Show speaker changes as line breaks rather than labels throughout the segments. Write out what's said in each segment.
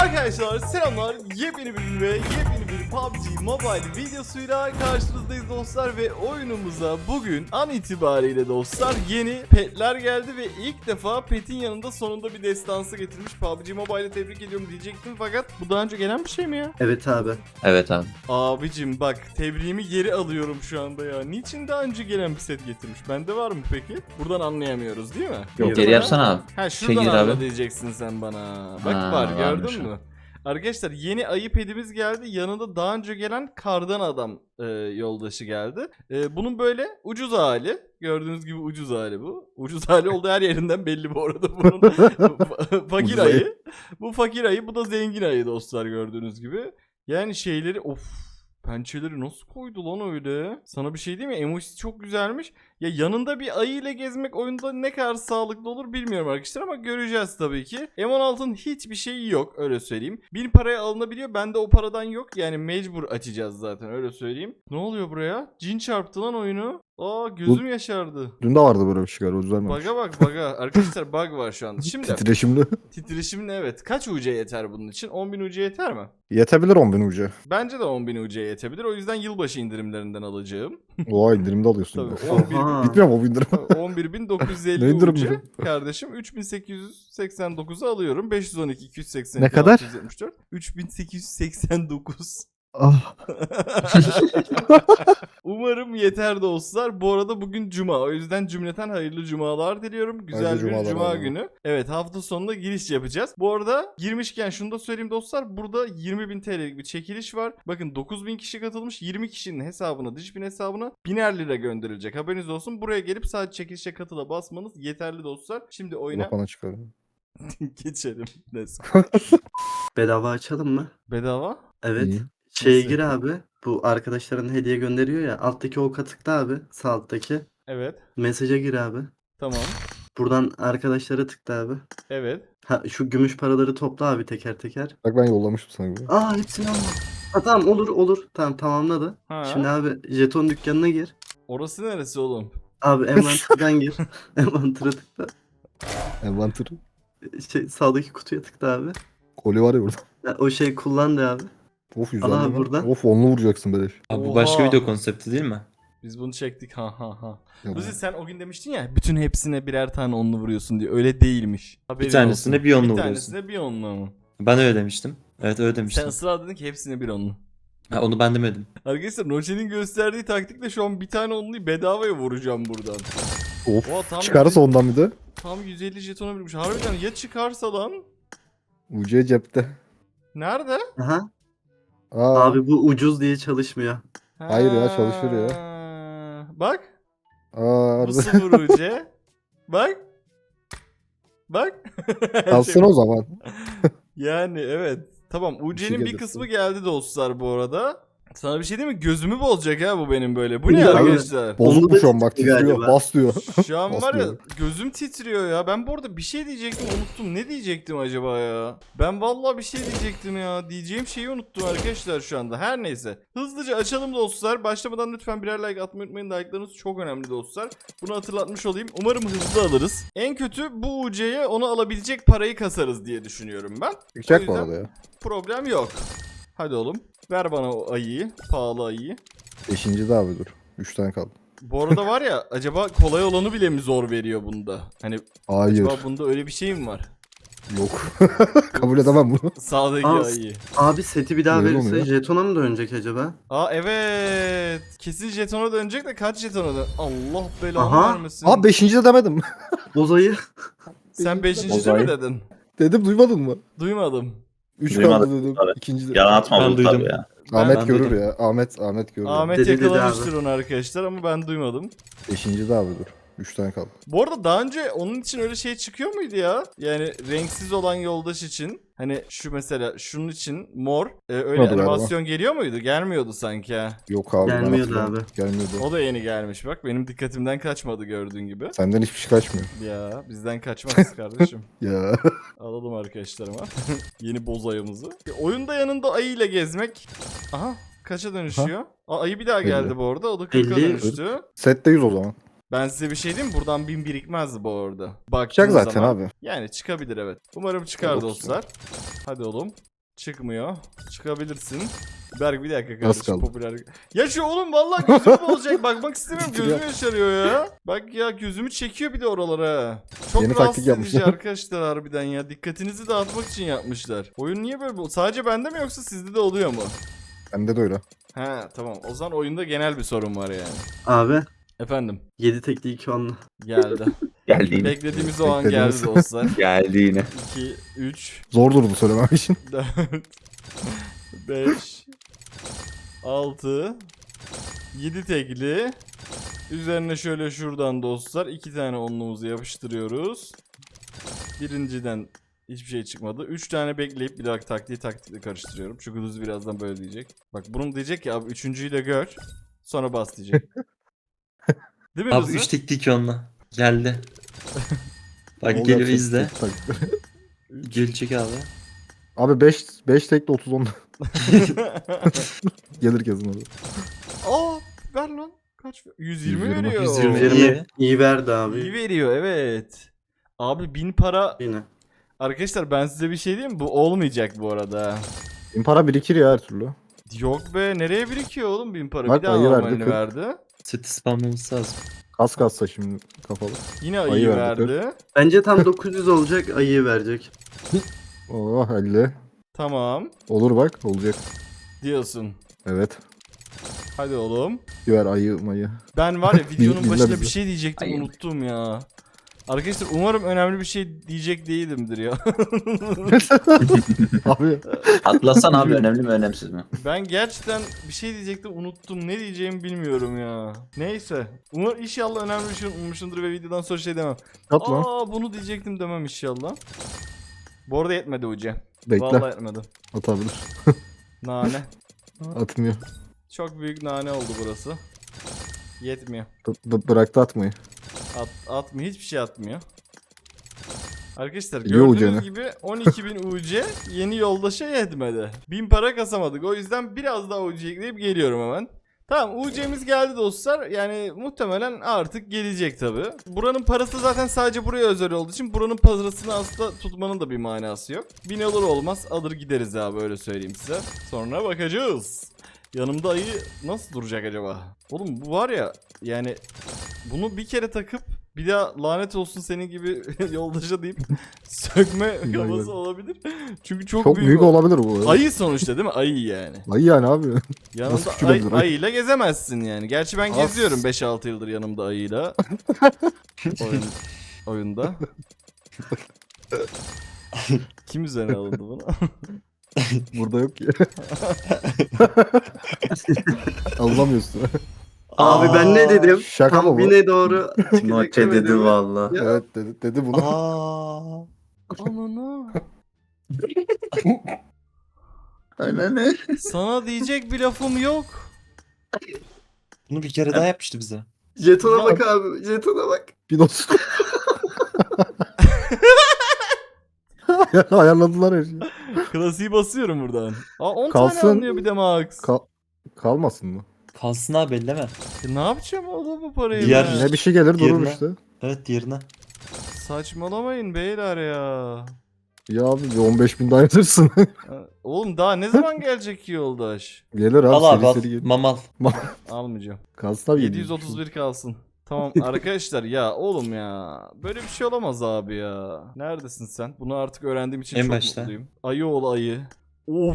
Arkadaşlar selamlar, yepyeni bir ve yepyeni bir PUBG Mobile videosuyla karşınızdayız dostlar ve oyunumuza bugün an itibariyle dostlar yeni petler geldi ve ilk defa petin yanında sonunda bir destansı getirmiş. PUBG Mobile'i tebrik ediyorum diyecektim fakat bu daha önce gelen bir şey mi ya?
Evet abi.
Evet abi.
Abicim bak, tebriğimi geri alıyorum şu anda ya. Niçin daha önce gelen bir set getirmiş? Bende var mı peki? Buradan anlayamıyoruz değil mi?
Yok,
Geri yapsana abi.
Ha şuradan
gir
anla
abi.
diyeceksin sen bana. Bak
Ha,
var
varmış
gördün
o.
mü? Arkadaşlar yeni ayı pedimiz geldi. Yanında daha önce gelen kardan adam yoldaşı geldi. Bunun böyle ucuz hali. Gördüğünüz gibi ucuz hali bu. Ucuz hali olduğu her yerinden belli bu arada bunun. Fakir
Ucuz
ayı.
ayı.
Bu fakir ayı, bu da zengin ayı dostlar gördüğünüz gibi. Yani şeyleri pençeleri nasıl koydu lan öyle? Sana bir şey diyeyim mi? Emojisi çok güzelmiş. Ya yanında bir ayı ile gezmek oyunda ne kadar sağlıklı olur bilmiyorum arkadaşlar ama göreceğiz tabii ki. M16'ın hiçbir şeyi yok, öyle söyleyeyim. 1000 paraya alınabiliyor. Bende o paradan yok. Yani mecbur açacağız zaten, öyle söyleyeyim. Ne oluyor buraya? Cin çarptı lan oyunu. Aa, gözüm yaşardı.
Dün de vardı böyle bir şey galiba, düzelmemiş.
Bug'a bak bug'a. Arkadaşlar bug var şu anda. Şimdi
Titreşimli.
titreşimli, evet. Kaç UC yeter bunun için? 10.000 UC yeter mi?
Yetebilir 10.000 ucu.
Bence de 10.000 UC yetebilir. O yüzden yılbaşı indirimlerinden alacağım.
Oha, indirimde alıyorsun.
Tabii
ya.
11.000
Aha.
Bitmiyor mu bu indirim?
11.950
Ne indirim
UC
bu?
kardeşim. 3.889'u alıyorum. 512, 282,
Ne kadar?
674. 3.889.
Ah.
Umarım yeter dostlar. Bu arada bugün cuma. O yüzden cümleten hayırlı cumalar diliyorum. Güzel
Hayırlı
bir
cumalar
cuma
abi.
günü. Evet, hafta sonunda giriş yapacağız. Bu arada girmişken şunu da söyleyeyim dostlar. Burada 20.000 TL'lik bir çekiliş var. Bakın 9.000 kişi katılmış. 20 kişinin hesabına, dış hesabına 1000'er lira gönderilecek. Haberiniz olsun. Buraya gelip sadece çekilişe katıla basmanız yeterli dostlar. Şimdi oyuna
Lapana çıkarıyor.
geçelim. Let's go.
Bedava açalım mı?
Bedava?
Evet.
İyi.
Şeye
Nasıl?
gir abi. Bu arkadaşların hediye gönderiyor ya. Alttaki oka tıkla abi. Sağ alttaki.
Evet.
Mesaja gir abi.
Tamam.
Buradan arkadaşlara tıkla abi.
Evet.
Ha, şu gümüş paraları topla abi teker teker.
Bak ben yollamıştım sana gibi.
Aa, hepsini alma. Ha, tamam, olur. Tamam, tamamladı.
Ha.
Şimdi abi jeton dükkanına gir.
Orası neresi oğlum?
Abi envanterden gir. Envantere tıkla.
Envanter.
Sağdaki kutuya tıkla abi.
Koli var ya burada.
Ha, o şey kullan de abi.
Of,
Al abi
150
buradan.
Of, onlu vuracaksın beleş.
Abi bu
Oha.
başka video konsepti değil mi?
Biz bunu çektik, ha.
Ya bu-
Luzi, sen o gün demiştin ya bütün hepsine birer tane onlu vuruyorsun diye. Öyle değilmiş. Haberin
Bir tanesine
olsun.
bir onlu
Bir
vuruyorsun.
tanesine bir onlu ama.
Ben öyle demiştim. Evet öyle
Sen
demiştim.
ısrar dedin ki hepsine bir onlu.
Ha, onu ben demedim.
Arkadaşlar Noce'nin gösterdiği taktikle şu an bir tane onluyu bedavaya vuracağım buradan.
Of.
Oha, tam
Çıkarsa ondan bir de.
Tam 150 jetona birmiş. Harbiden ya çıkarsa lan?
Ucuya cepte.
Nerede?
Aha.
Aa.
Abi bu ucuz diye çalışmıyor.
Hayır ya, çalışır ya.
Bak.
Aa,
Bu
harbi.
0 UC. Bak. Bak.
Alsın o zaman.
Yani evet. Tamam, UC'nin bir
gelirse.
kısmı geldi dostlar bu arada. Sana bir şey diyeyim mi? Gözümü bozacak ha bu benim böyle. Bu ne
Ya,
arkadaşlar?
Bozuk
Onu
bu
da
şu an, bak
titriyor
titriyor.
galiba.
Bas diyor.
Şu an var ya,
Basmıyor.
gözüm titriyor ya. Ben bu arada bir şey diyecektim, unuttum. Ne diyecektim acaba ya? Ben vallahi bir şey diyecektim ya. Diyeceğim şeyi unuttum arkadaşlar şu anda. Her neyse. Hızlıca açalım dostlar. Başlamadan lütfen birer like atmayı unutmayın. Like'larınız çok önemli dostlar. Bunu hatırlatmış olayım. Umarım hızlı alırız. En kötü bu UC'ye onu alabilecek parayı kasarız diye düşünüyorum ben.
Çıkacak
O
bu
yüzden
arada ya.
problem yok. Hadi oğlum. Ver bana o ayıyı. Pahalı ayıyı.
5. de abi dur. 3 tane kaldı.
Bu arada var ya, acaba kolay olanı bile mi zor veriyor bunda? Hani
Hayır.
acaba bunda öyle bir şey mi var?
Yok. Kabul edemem bunu.
Sağdaki
Aa,
ayı.
Abi seti bir daha
Öyle
verirse
oluyor.
jetona mı dönecek acaba?
Aa evet. Kesin jetona dönecek de kaç jetona dön? Allah belanı
Aha.
vermesin.
Aa, 5. de demedim.
Bozayı.
Sen 5. mi
Bozay.
dedin?
Dedim, duymadın mı?
Duymadım.
3
Duymadım
kaldı dedim.
abi.
2. de.
Yalan atma
Ben
oğlum
duydum.
tabii ya.
Ahmet
Ben
görür
duydum.
ya. Ahmet görür.
Ahmet
Dedi
yakalamıştır
abi.
onu arkadaşlar ama ben duymadım.
5. de abi dur. 3 tane kaldı.
Bu arada daha önce onun için öyle şey çıkıyor muydu ya? Yani renksiz olan yoldaş için. Hani şu mesela şunun için mor. Öyle
Olmadı galiba.
animasyon geliyor muydu? Gelmiyordu sanki ha.
Yok abi, ben
Gelmiyordu
hatırlamıyorum.
abi.
Gelmiyordu.
O da yeni gelmiş bak. Benim dikkatimden kaçmadı gördüğün gibi.
Senden hiçbir şey kaçmıyor.
Ya bizden kaçmaz kardeşim.
Ya.
Alalım arkadaşlarıma. Yeni boz ayımızı. Oyunda yanında ayı ile gezmek. Aha, kaça dönüşüyor? Aa, ayı bir daha geldi
50.
bu arada. O da 40'a
50.
dönüştü.
Sette 100 o zaman.
Ben size bir şey diyeyim mi? Buradan 1000 birikmezdi bu arada.
Çıkacak
Baktığın
zaten
zaman.
abi.
Yani çıkabilir evet. Umarım çıkar
Yok,
dostlar. Hadi oğlum. Çıkmıyor. Çıkabilirsin. Berk bir dakika
Az
kardeşim
kaldı.
popüler. Ya şu oğlum vallahi gözüm olacak. Bakmak istemiyorum. Gözüm yaşarıyor ya. Bak ya gözümü çekiyor bir de oralara. Çok
Yeni
rahatsız
taktik
edici
yapmışlar.
arkadaşlar harbiden ya. Dikkatinizi dağıtmak için yapmışlar. Oyun niye böyle? Sadece bende mi yoksa sizde de oluyor mu?
Bende de öyle.
He tamam. O zaman oyunda genel bir sorun var yani.
Abi
Efendim
7 tekli 2 onlu.
geldi.
Geldi yine.
Beklediğimiz o an geldi
Beklediğimiz.
dostlar.
Geldi yine.
2, 3,
Zor durdu söylemem için.
4, 5, 6, 7 tekli. Üzerine şöyle şuradan dostlar 2 tane onluğumuzu yapıştırıyoruz. Birinciden hiçbir şey çıkmadı. 3 tane bekleyip bir daha taktikle karıştırıyorum. Çünkü Luz birazdan böyle diyecek. Bak bunun diyecek ki abi üçüncüyü de gör. Sonra bas diyecek. Değil mi
Abi
Luz'u?
3 tekli 2 onunla. Geldi. Bak
Ol
geliyor
yapacak
izle.
tek tak.
Gelecek abi.
Abi 5 tekli 30 10. Gelir kesin orada.
Aa ver lan. Kaç? 120
120.
veriyor.
120.
20
İyi.
iyi verdi abi.
İyi veriyor evet. Abi 1000 para.
Yine.
Arkadaşlar ben size bir şey diyeyim mi? Bu olmayacak bu arada.
Benim para birikir ya her türlü.
Yok be nereye birikiyor oğlum 1000 para?
Bak,
Bir daha
ayı verdi,
normalini
40.
verdi.
Seti spamlaması lazım.
Kas kassa şimdi kafalı.
Yine ayı,
Ayı verdi,
verdi.
Bence tam 900 olacak, ayıyı verecek.
Oh 50.
Tamam
Olur bak olacak.
diyorsun.
Evet.
Hadi oğlum.
Ver ayı mayı.
Ben var ya videonun
Dinle
başında
bizi.
bir şey diyecektim
Ayı.
unuttum ya. Arkadaşlar umarım önemli bir şey diyecek değilimdir ya.
Abi
Atlasan abi önemli mi önemsiz mi?
Ben gerçekten bir şey diyecektim unuttum. Ne diyeceğimi bilmiyorum ya. Neyse. İnşallah önemli bir şey unutmuşumdur ve videodan sonra şey demem.
yap lan.
Aa bunu diyecektim demem inşallah. Bu arada yetmedi Uce.
Bekle.
Vallahi yetmedi.
Atabilir.
Nane.
Atmıyor.
Çok büyük nane oldu burası. Yetmiyor.
Bıraktı atmayı.
Atmıyor. Hiçbir şey atmıyor. Arkadaşlar
Biliyor
gördüğünüz
Uce'ni.
gibi 12.000 UC yeni yoldaşa yetmedi. 1000 para kasamadık. O yüzden biraz daha UC ekleyip geliyorum hemen. Tamam UC'miz geldi dostlar. Yani muhtemelen artık gelecek tabi. Buranın parası zaten sadece buraya özel olduğu için buranın parasını aslında tutmanın da bir manası yok. 1000 olur olmaz alır gideriz abi öyle söyleyeyim size. Sonra bakacağız. Yanımda ayı nasıl duracak acaba? Oğlum bu var ya yani bunu bir kere takıp bir daha lanet olsun senin gibi yoldaşa deyip sökme kafası olabilir. Çünkü çok
Büyük olabilir bu.
Ayı sonuçta değil mi? Ayı yani.
Ayı yani abi.
Yanımda
Nasıl küçülebilir ayı?
ayıyla gezemezsin yani. Gerçi ben
As.
geziyorum 5-6 yıldır yanımda ayıyla. Oyunda. Kim üzerine alındı bunu?
Burada yok ki. Anlamıyorsun.
Abi ben ne dedim?
Şaka mı
Tam
bu?
bine doğru.
Timote dedi valla.
Ya.
Evet dedi bunu.
Aa.
Ananı.
Öyle ne?
Sana diyecek bir lafım yok.
Bunu bir kere daha yapmıştı bize.
Jetona bak abi. Jetona bak.
Bir dost. Ayarladılar her şeyi.
Klasiği basıyorum buradan. Aa 10
Kalsın.
tane alınıyor bir de max.
Kalmasın mı?
Kalsın abi elleme.
Ne yapacağım oğlum bu parayı
Diğer-
ben?
Ne bir şey gelir durur
Yerine.
işte.
Evet diğerine.
Saçmalamayın beyler ya.
Ya abi bir 15.000 daha yatırsın.
Oğlum daha ne zaman gelecek ki yoldaş?
Gelir abi
Al abi
seri
al.
seri gelir.
Mamal.
Almayacağım.
Kalsın abi.
731 kalsın. Tamam arkadaşlar ya oğlum ya. Böyle bir şey olamaz abi ya. Neredesin sen? Bunu artık öğrendiğim için
En
çok
başta.
mutluyum. Ayı oğlu ayı. Of.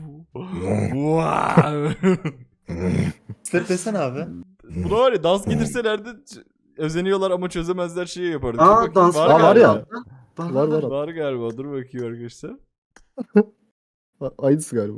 Wow.
Step desene abi.
Buna var ya dans getirselerdi özeniyorlar ama çözemezler şeyi yapardık. Dur
Aa
bakayım,
dans
Aa, var
galiba.
ya.
Var
Var.
Var galiba. Dur bakayım arkadaşlar.
Aynısı galiba.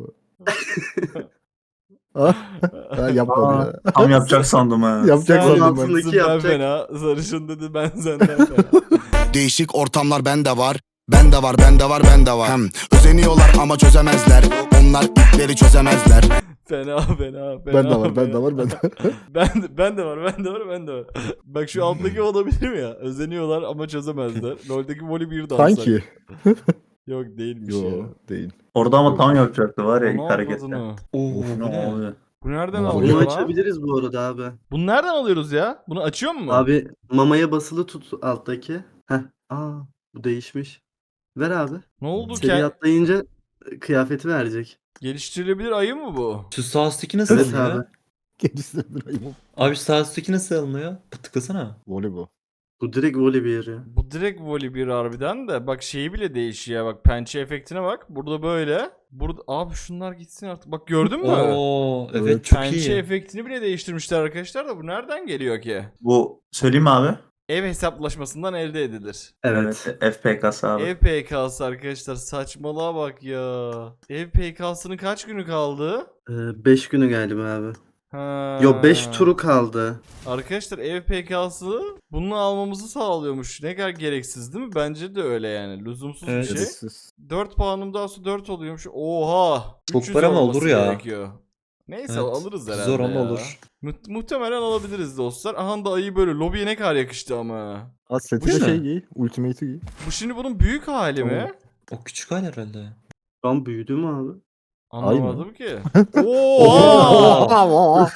Ha yapmadı ya.
Tam yapacak sandım ha.
Yapacak
Sen
sandım ben.
altındaki
ben
yapacak.
fena. Sarışın dedi ben senden fena.
Değişik ortamlar bende var. Bende var, bende var, bende var. Özeniyorlar ama çözemezler. Onlar ipleri çözemezler.
Fena.
Ben de var, ben de var, ben de var.
Ben de var. Bak şu alttaki olabilir mi ya? Özeniyorlar ama çözemezler. LoL'deki voli bir dansa.
Sanki.
Yok değilmiş ya.
Yo değil.
Orada ama tam yapacaktı var ya ilk
Onu
harekette.
avradını.
Oo bu
Ne
ne?
oluyor?
Bu nereden
Bunu
Bunu
alıyor lan?
açabiliriz bu arada abi.
Bunu nereden alıyoruz ya? Bunu açıyor mu?
Abi mamaya basılı tut alttaki. Heh. Aa bu değişmiş. Ver abi.
Ne oldu
Seri
ki?
atlayınca kıyafeti verecek.
Geliştirilebilir ayı mı bu?
Şu sağ üstteki nasıl
Evet
alınıyor?
abi.
Gerisi de bir ayıp.
Abi şu sağ üstteki nasıl alınıyor? Tıklasana.
Voleybol.
Bu direkt voley bir yeri.
Bu direkt voli bir harbiden de. Bak şeyi bile değişiyor. Bak pençe efektine bak. Burada böyle. Burada abi şunlar gitsin artık. Bak gördün mü?
Oo evet
Evet.
çok
Pençe
iyi.
efektini bile değiştirmişler arkadaşlar da bu nereden geliyor ki?
Bu söyleyeyim mi abi?
Ev hesaplaşmasından elde edilir.
Evet.
FPK'sı abi.
Ev PK'sı arkadaşlar saçmalığa bak ya. Ev PK'sının kaç günü kaldı?
5 günü galiba abi.
Ha.
Yo 5 turu kaldı.
Arkadaşlar ev PK'sı bunu almamızı sağlıyormuş. Ne kadar gereksiz değil mi? Bence de öyle yani. Lüzumsuz
Evet.
bir şey.
Gerisiz.
4 puanım daha sonra 4 oluyormuş. Oha.
Çok
300
para mı
olması
olur ya?
gerekiyor. Neyse
Evet.
alırız herhalde
Zor ama
ya.
olur.
Muhtemelen alabiliriz dostlar. Aha da ayı böyle lobiye ne kadar yakıştı ama.
Ha seti
Bu
de
ne?
şey giy. Ultimate'i giy.
Bu şimdi bunun büyük hali mi?
O küçük hal herhalde.
Şu an büyüdü mü abi?
Anlamadım ki.
Oha!
Oha!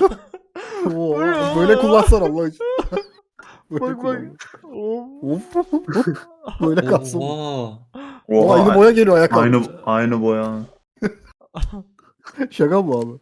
Böyle kullansan Allah için. Böyle
Bak bak.
kullan. Of. Böyle kalsın.
Oha!
O aynı boya geliyor ayakkabı.
Aynı boya.
Şaka mı abi?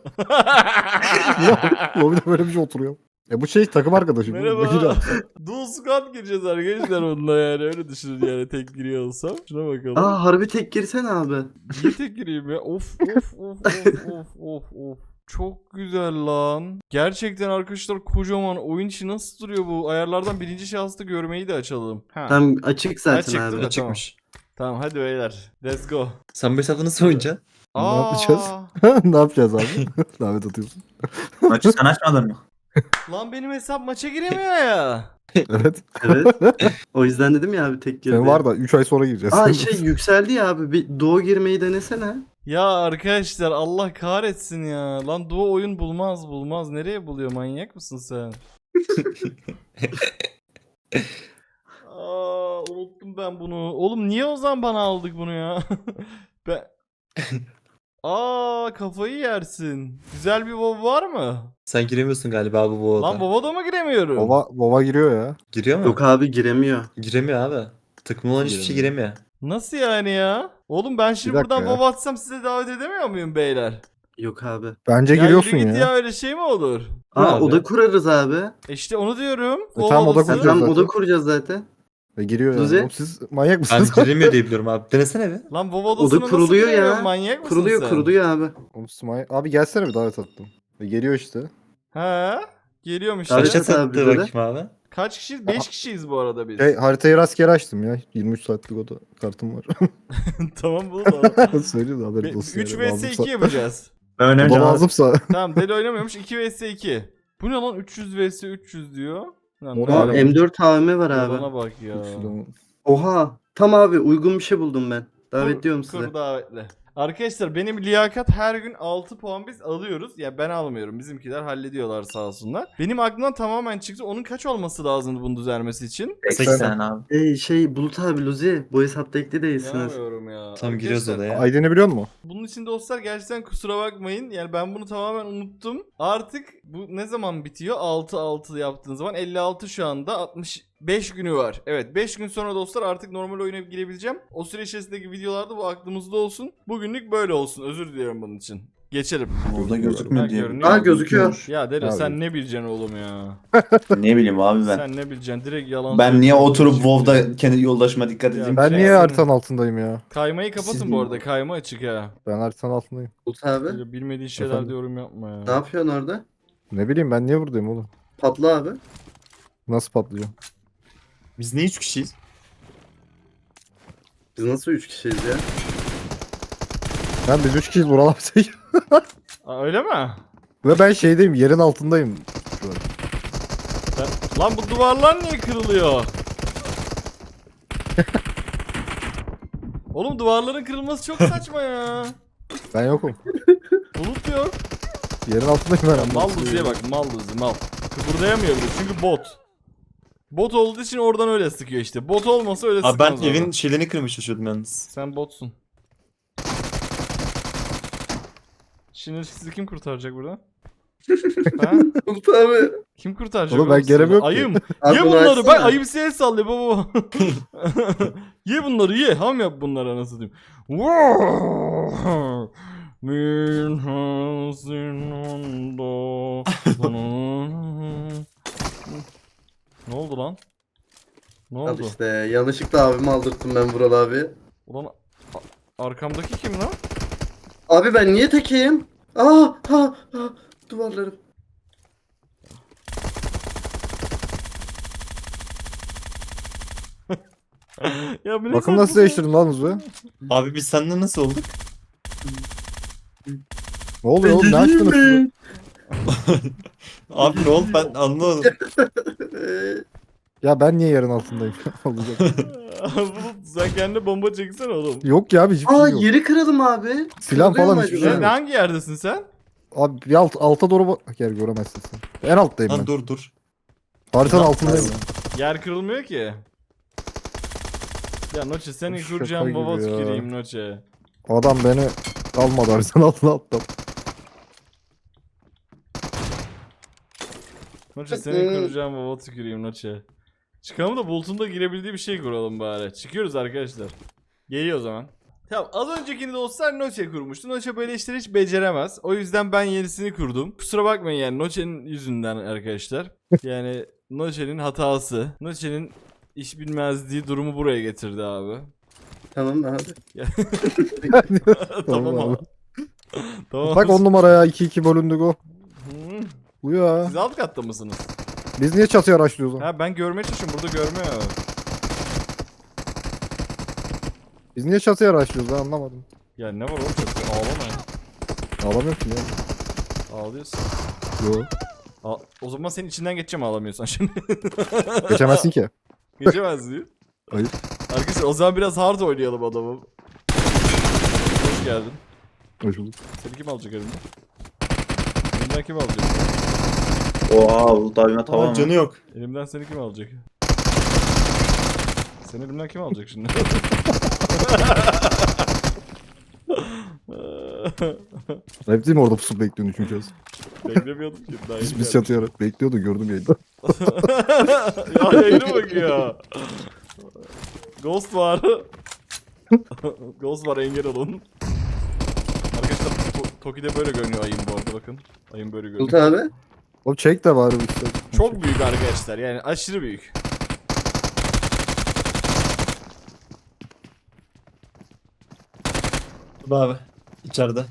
Lobide böyle bir şey oturuyor. Bu şey takım arkadaşım.
Merhaba.
Gir abi.
Dual squad gireceğiz arkadaşlar onunla yani. Öyle düşünün yani tek giriyor olsam. Şuna bakalım.
Aa harbi tek girsene abi.
Niye tek gireyim ya? Of of of of of of of. Çok güzel lan. Gerçekten arkadaşlar kocaman oyun içi nasıl duruyor bu? Ayarlardan birinci şahısta görmeyi de açalım. Ha.
Tam açık zaten
Açıktı
abi.
da.
Çıkmış.
Tamam hadi beyler. Let's go.
Sen bu hesapta nasıl oynayacaksın?
Ne yapacağız? Ne yapacağız abi? Davet atıyorsun.
Maçı sen açmadın mı?
Lan benim hesap maça giremiyor ya.
Evet.
Evet. O yüzden dedim ya abi tek girdi.
Sen var da 3 ay sonra gireceğiz.
Aa şey yükseldi ya abi. Bir doğu girmeyi denesene.
Ya arkadaşlar Allah kahretsin ya. Lan Doğu oyun bulmaz. Nereye buluyor, manyak mısın sen? Aa, unuttum ben bunu. Oğlum niye o zaman bana aldık bunu ya? ben... Aa, kafayı yersin. Güzel bir WoW var mı?
Sen giremiyorsun galiba bu
Lan
WoW'da.
WoW'da mı giremiyorum?
Baba giriyor ya.
Giriyor mu?
Yok abi giremiyor.
Giremiyor abi. Takım olan hiçbir şey giremiyor.
Nasıl yani ya? Oğlum ben şimdi
Bir dakika
buradan
ya.
WoW atsam size davet edemiyor muyum beyler?
Yok abi.
Bence
Ya
giriyorsun
yürü git
ya.
ya, öyle şey mi olur?
Aa
abi?
oda kurarız abi.
İşte onu diyorum.
tamam, oda
odası.
kuracağız.
Tam
zaten.
oda kuracağız zaten.
Giriyor yani.
Luzi?
Oğlum siz manyak
Ben
mısınız?
giremiyor diye biliyorum abi. Denesene bir.
Lan WoW odasına nasıl
kuruluyor ya.
giremiyorum, manyak mısın
Kuruluyor
sen?
kuruluyor abi.
Oğlum siz manyak. Abi gelsene bir davet attım. Geliyor işte.
He? Geliyorum işte.
Evet.
Kaça
Kaç abi
sattı
böyle?
bakayım abi.
Kaç kişiyiz? 5 kişiyiz bu arada biz.
Haritayı rastgele açtım ya. 23 saatlik oda kartım var.
Tamam bunu da.
Söylüyor da haberin olsun.
3
yani.
vs 2 yapacağız.
Ben
Baba
oynayacağım abi.
lazımsa.
Tamam deli oynamıyormuş, 2 vs 2. Bu ne lan, 300 vs 300 diyor. Lan
O
ne
ne
Aa
abi?
M4 AVM var abi.
Yalana bak ya.
Oha. Tam abi uygun bir şey buldum ben. Davetliyorum
Kur
size.
davetle. Arkadaşlar benim liyakat her gün 6 puan biz alıyoruz. Ya ben almıyorum. Bizimkiler hallediyorlar sağ olsunlar. Benim aklımdan tamamen çıktı. Onun kaç olması lazımdı bunun düzelmesi için?
80 abi.
Şey Bulut abi Luzi bu hesapta ekli değilsiniz.
İnanamıyorum ya.
Tam giriyoruz
Arkadaşlar,
odaya.
ID'ni biliyor musun?
bunun için dostlar gerçekten kusura bakmayın. Yani ben bunu tamamen unuttum. Artık bu ne zaman bitiyor? 6-6 yaptığın zaman 56 şu anda 65 günü var. Evet 5 gün sonra dostlar artık normal oyuna girebileceğim. O süre içerisindeki videolarda bu aklımızda olsun. Bugünlük böyle olsun. Özür diliyorum bunun için. Geçelim.
Burada
Ha,
gözükmüyor diye.
görünüyor.
Aa gözüküyor.
Ya Delo
Abi.
sen ne bileceksin oğlum ya?
Ne bileyim abi ben.
Sen ne bileceksin? Direkt yalan
Ben niye
söylüyorsun.
oturup
Şimdi-
WoW'da kendi yoldaşıma dikkat
Ya
edeyim?
Ben
şey
niye
yapsana.
haritanın altındayım ya?
Kaymayı kapatın
Siz
bu arada. Kayma açık ha.
Ben haritanın altındayım.
Bulut abi.
Böyle bilmediğin şeyler
Efendim?
de yorum yapma ya.
Ne yapıyorsun orada?
Ne bileyim ben niye buradayım oğlum?
Patla abi.
Nasıl patlayacağım?
Biz ne 3 kişiyiz?
Biz nasıl 3 kişiyiz ya?
Ben biz 3 kişiyiz buralardayım.
Aa, öyle mi?
Ve ben şeydeyim yerin altındayım. Şu an.
Lan bu duvarlar niye kırılıyor? Oğlum duvarların kırılması çok saçma ya.
Ben yokum.
Bulut yok.
Yerin altındayım ben.
Mal Luzi'ye bak, mal Luzi mal. Kıpırdayamıyor bile çünkü bot. Bot olduğu için oradan öyle sıkıyor işte. Bot olmasa öyle
Abi ben
sıkmaz
evin
oradan.
şeylerini kırmaya çalışıyordum yalnız.
Sen botsun. Şimdi sizi kim kurtaracak buradan? Ha?
Bulut abi.
Kim kurtaracak?
Oğlum ben
sizi?
gelemiyorum ki.
Ayım.
Abi
Ye
bunu
bunları. Bak
açsana.
ayım size el sallıyor baba. Ye bunları ye. Ham yap bunları anasını diyeyim. Min hazinanda. Ne oldu lan? Ne
Al
oldu?
işte yanlışlıkla abimi aldırttım ben Vural abi.
Ulan arkamdaki kim lan?
Abi ben niye tekeyim? Duvarlarım.
Ya bu ne
Bakın
saçma
nasıl
şey?
değiştirdim lan hızı.
Abi biz seninle nasıl olduk?
Ne oluyor oğlum ne açtınız siz?
Abi ne oldu ben anlamadım.
Ya ben niye yerin altındayım? Olacak.
Bulut, sen kendine bomba çeksene oğlum.
Yok ya abi hiçbir şey yok.
Yeri kıralım abi.
Silah
Kırılıyor
falan
mu
hiçbir
acaba?
şey yok.
Hangi yerdesin sen?
Abi bir alta doğru bak. Yer göremezsin sen. En alttayım
Lan
ben.
dur.
Haritanın altındayım.
Yer kırılmıyor ki. Ya Noche senin
Şaka
kuracağın
gibi
baba
ya.
tüküreyim Noche.
Adam beni almadı haritanın altına attı.
Noche senin kuracağın baba tüküreyim Noche. Çıkalım da Bulut'un da girebildiği bir şey kuralım bari. Çıkıyoruz arkadaşlar. Geliyor o zaman. Tamam, az öncekini dostlar Noche kurmuştu. Noche böyle işleri hiç beceremez. O yüzden ben yenisini kurdum. Kusura bakmayın yani Noche'nin yüzünden arkadaşlar. Yani Noche'nin hatası. Noche'nin iş bilmezliği durumu buraya getirdi abi.
Tamam abi.
Tamam abi. Tamam.
Bak 10 numara ya 2-2 bölündük o.
Hı.
Bu ya.
Siz alt katta mısınız?
Biz niye çatıya araştırıyoruz lan?
Ha ben görmeye çalışıyorum, burada görmüyor.
Biz niye çatıya araştırıyoruz lan anlamadım.
Ya ne var oğlum, çok ağlama ya.
Ağlamıyorum ki ya.
Ağlıyorsun.
Yo.
O zaman senin içinden geçeceğim ağlamıyorsan şimdi.
Geçemezsin ki.
Geçemez diyor.
Hayır.
Arkadaşlar o zaman biraz hard oynayalım adamı. Hoş geldin.
Hoş bulduk.
Seni kim alacak elimden? Elimden kim alacak?
Oha Bulut abime tamam.
Aa, canı yok.
Elimden seni kim alacak? Seni elimden kim alacak şimdi?
Hep değil mi orada pusup bekliyorsun üçüncü kez?
Beklemiyordum ki. Daha
Biz
yeni
çatıya bekliyordu gördüm yayında.
ya yayına bak ya. Ghost var. Ghost var, engel olun. Arkadaşlar Toki'de böyle görünüyor ayın bu arada, bakın. Ayın böyle
Bulut
görünüyor.
abi.
O çek de var işte.
Çok büyük arkadaşlar, yani aşırı büyük.
Dur abi. İçeride.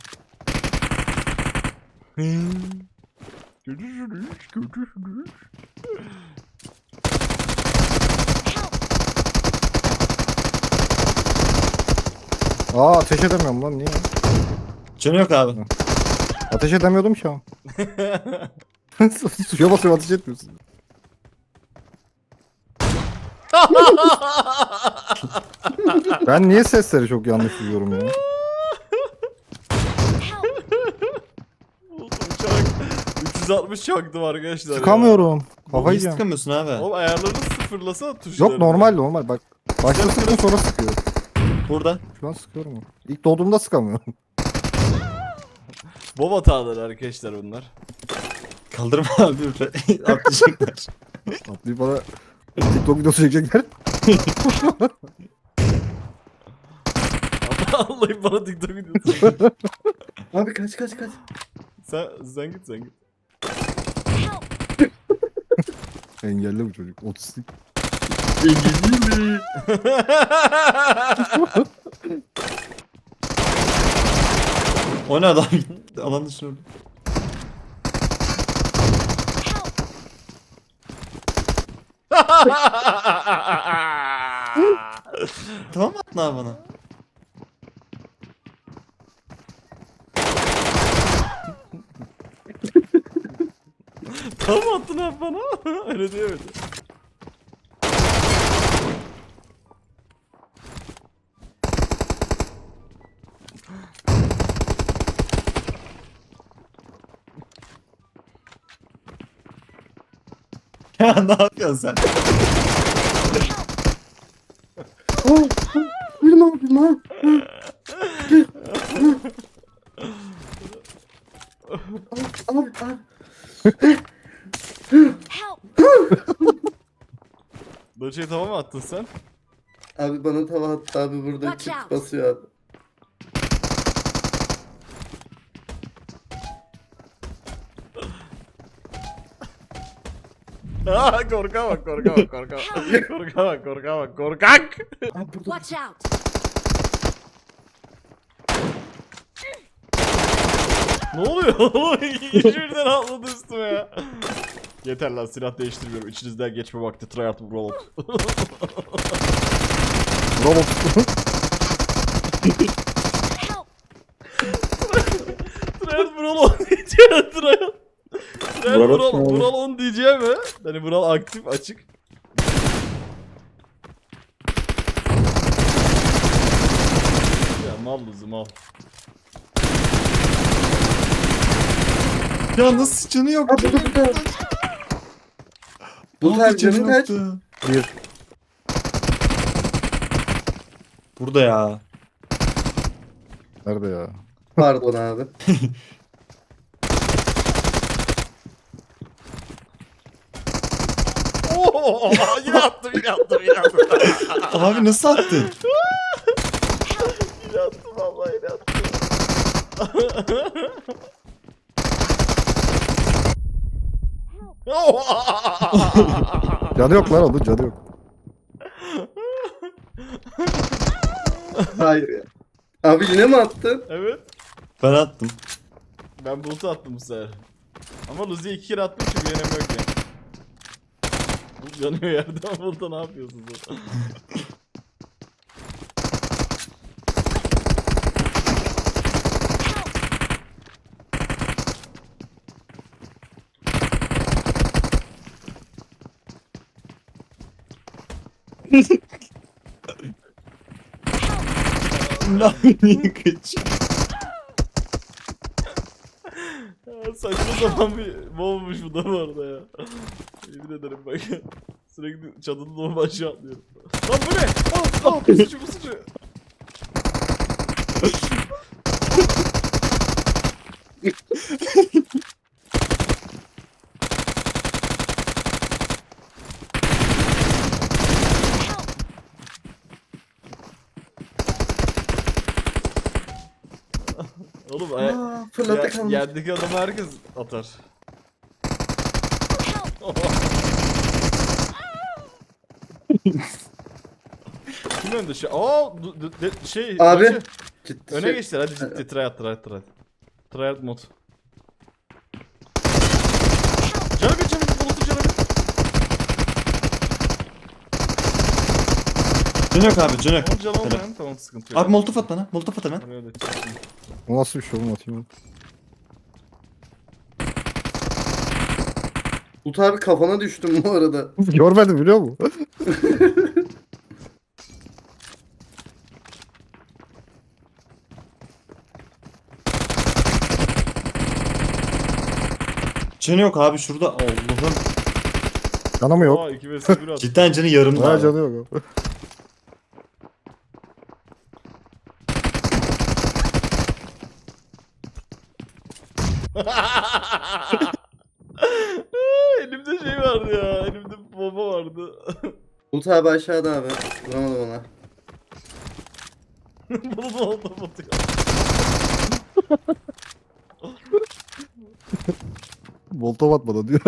Görüşürüz, görüşürüz.
Aa ateş edemiyorum lan niye?
Canı yok abi.
Ateş edemiyordum şu an. Suya basıyorum ateş etmiyorsun. Ben niye sesleri çok yanlış duyuyorum ya?
Uçak 360 çaktım arkadaşlar ya.
Sıkamıyorum.
Niye
Kafayı yiyeceğim.
sıkamıyorsun abi?
Oğlum ayarlarını sıfırlasana tuşlarını.
Yok normal bak. Başta sıktım sonra sıkıyor.
Burada.
Şu an sıkıyorum. İlk doğduğumda sıkamıyorum.
Bob hataları arkadaşlar bunlar.
Kaldırma abi. Atlayacaklar.
Atlayıp bana TikTok videosu çekecekler.
Vallahi bana TikTok videosu.
Abi kaç.
sen git.
Engelli bu çocuk. Otistik.
İngilizce.
O ne adam? Alan dışına öldü. Tamam mı attın abi bana?
Tam attın abi bana. Öyle diyemedi.
Ya ne yapıyorsun sen?
Bilmem. Abi.
Help!
Doçe'yi tamam mı attın sen?
Abi bana tava attı abi burada
Watch
kit
out.
basıyor abi.
Aa, korka bak korka bak korka bak. Korka bak korka bak korkak.
Watch out!
Ne oluyor oğlum? Hiçbirden atladı üstüme ya. Yeter lan, silah değiştirmiyorum. İçinizden geçme vakti. Tryhard Rollout.
Bravo.
Help!
Tryhard Rollout diyeceğim. Tryhard
Vural kim oğlum?
Vural 10 diyeceğim mi? Hani Vural aktif açık. Ya mal lüzum mal.
Ya nasıl canı yok?
Abi burada. Bu tarz canın kaç?
Bir.
Burada ya.
Nerede ya?
Pardon abi.
Oo, yine attım yine attım yine attım.
Abi nasıl attın?
Yine attım vallahi yine attım.
Canı yok lan onun canı yok.
Hayır ya. Abi yine mi attın?
Evet.
Ben attım.
Ben Bulut'u attım bu sefer. Ama Luzi'ye 2 kere attım çünkü yenemiyor ki. Bulut yanıyor yerden. Bulut'a ne yapıyorsun sen?
Niye kaç?
Ya saçma sapan bir bombamış bu da bu arada ya. Yemin ederim bak. Sürekli çadının o aşağı atlıyorum. Lan bu ne? Pusucu pusucu. Oğlum
Fırlatta kalmış.
yerdeki adamı herkes atar. Kim önde şey? Şey.
Abi.
Maçı.
Ciddi
Öne
şey.
geçtiler hadi ciddi tryhard. Tryhard mod. Canı bir Bulut'u canı bir.
Canı yok abi canı yok.
Tamam canı
Helal.
olmayan tamam sıkıntı yok.
Abi molotof at bana. Molotof at hemen.
Oraya da
O nasıl bir şey oğlum atayım.
Bulut abi kafana düştüm bu arada.
Görmedim biliyor musun?
Canı yok abi şurada. Allah'ım.
Canı mı yok?
Aa 2 vs 1 at.
Cidden canı yarımda.
Ha
abi.
canı yok.
Elimde şey vardı ya. Elimde bomba vardı.
Bulut abi aşağıda abi. Vuramadım ona.
Bulut oldu batıyor.
Molotov atmadı diyor.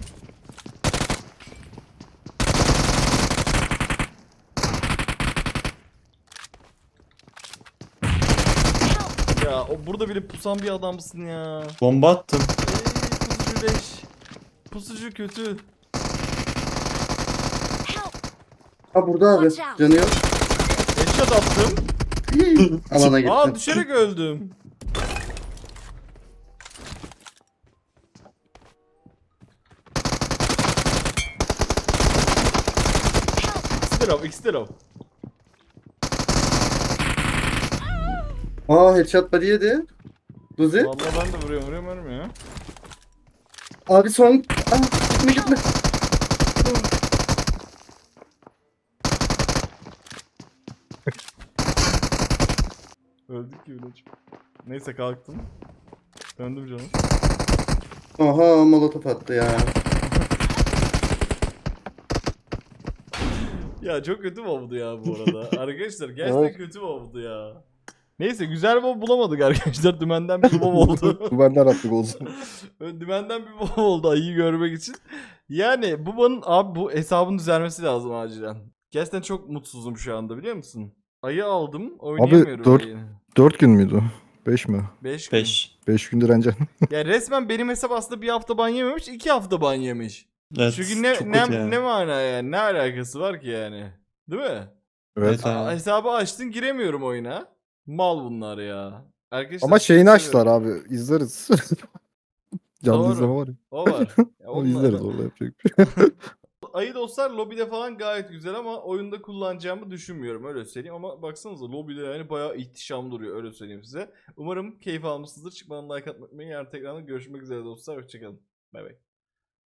Ya o burada bile pusan bir adamsın ya.
Bomba attım.
Pusucu leş. Pusucu kötü.
Help!
Ha burada abi.
Watch out.
Canı yok.
Headshot attım.
Alana gittim.
Aa düşerek öldüm. İkisi de low.
Aa headshot body yedi. Luzi.
Vallahi ben de vuruyorum ölmüyor.
Abi son. Aa, gitme.
Öldük ki bile. Neyse kalktım. Döndüm canım.
Aha molotof attı ya.
Ya çok kötü mobdu ya bu arada. Arkadaşlar gerçekten
Evet.
kötü mobdu ya. Neyse güzel mob bulamadık arkadaşlar. Dümenden bir mob oldu.
Benden attık olsun.
Dümenden bir mob oldu ayıyı görmek için. Yani bu hesabın düzelmesi lazım acilen. Gerçekten çok mutsuzum şu anda biliyor musun? Ayı aldım oynayamıyorum
dört-
ayıyı.
4 gün müydü? 5 mi?
5 gün.
5.
5 gündür önce.
Ya resmen benim hesap aslında bir hafta ban yememiş 2 hafta ban yemiş.
Evet.
Çünkü ne
çok
ne,
kötü ya.
ne mana yani ne alakası var ki yani? Değil mi?
Evet.
abi.
Hesabı açtın giremiyorum oyuna. Mal bunlar ya. Arkadaşlar
Ama şeyini
çok
açtılar
seviyorum.
abi. İzleriz. Canlı
Doğru.
izleme var ya.
O var. Ya
Onu
onlar-
izleriz orada yapacak bir şey.
Ayı dostlar lobide falan gayet güzel ama oyunda kullanacağımı düşünmüyorum öyle söyleyeyim. Ama baksanıza lobide yani bayağı ihtişam duruyor öyle söyleyeyim size. Umarım keyif almışsınızdır. Çıkmadan like atmayı unutmayın. Yarın tekrardan görüşmek üzere dostlar. Hoşçakalın. Bay bay.